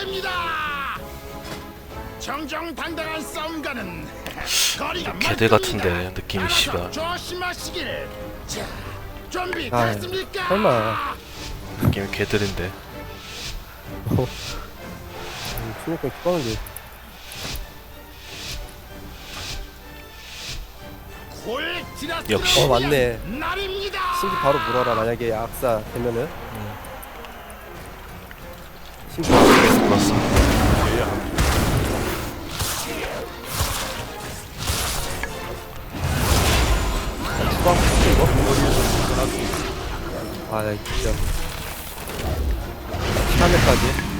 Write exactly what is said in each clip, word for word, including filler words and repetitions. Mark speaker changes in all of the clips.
Speaker 1: 됩니다. 정정당당한 싸움가는 거리가
Speaker 2: 개들 같은데 느낌이 씨발.
Speaker 1: 조심하시길. 자, 준비
Speaker 3: 아,
Speaker 1: 됐습니까?
Speaker 3: 설마.
Speaker 2: 느낌이 개들인데.
Speaker 3: 신입병 죽었는데.
Speaker 2: 역시.
Speaker 3: 어, 맞네.
Speaker 1: 날입니다.
Speaker 3: 신기 바로 물어라, 만약에 악사 되면은. 신기
Speaker 2: 그렇습니다.
Speaker 3: 주방 붙지, 이거? 아, 나 진짜. 시간대까지.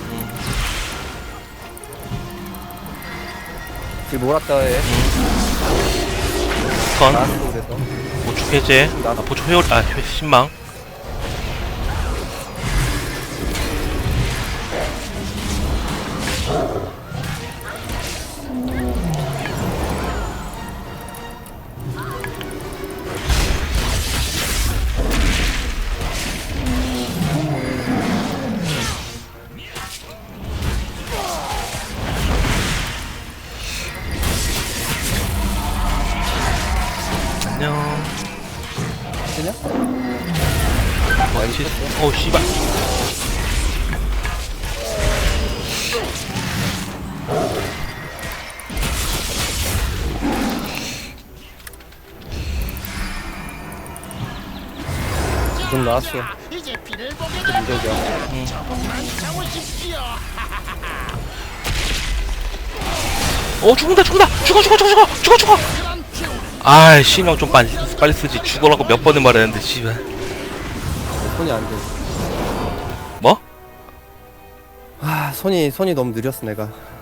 Speaker 3: 지금 몰았다 해.
Speaker 2: 건
Speaker 3: 나왔어, 그래서.
Speaker 2: 보초 해제. 아 보초 회올 아 회- 신망. 안녕.
Speaker 3: 되냐?
Speaker 2: 원치. 어 씨발.
Speaker 3: 좀 나왔어.
Speaker 1: 자, 이제 피를 보게
Speaker 3: 민족이야.
Speaker 1: 되면 조금만 참으십시오.
Speaker 2: 어 죽는다 죽는다 죽어 죽어 죽어 죽어 죽어 죽어.
Speaker 1: 그런 기운.
Speaker 2: 아이 신경 좀 빨리 빨리 쓰지. 죽어라고 몇 번을 말했는데 씨발.
Speaker 3: 손이 안 돼.
Speaker 2: 뭐?
Speaker 3: 아, 손이, 손이 너무 느렸어, 내가.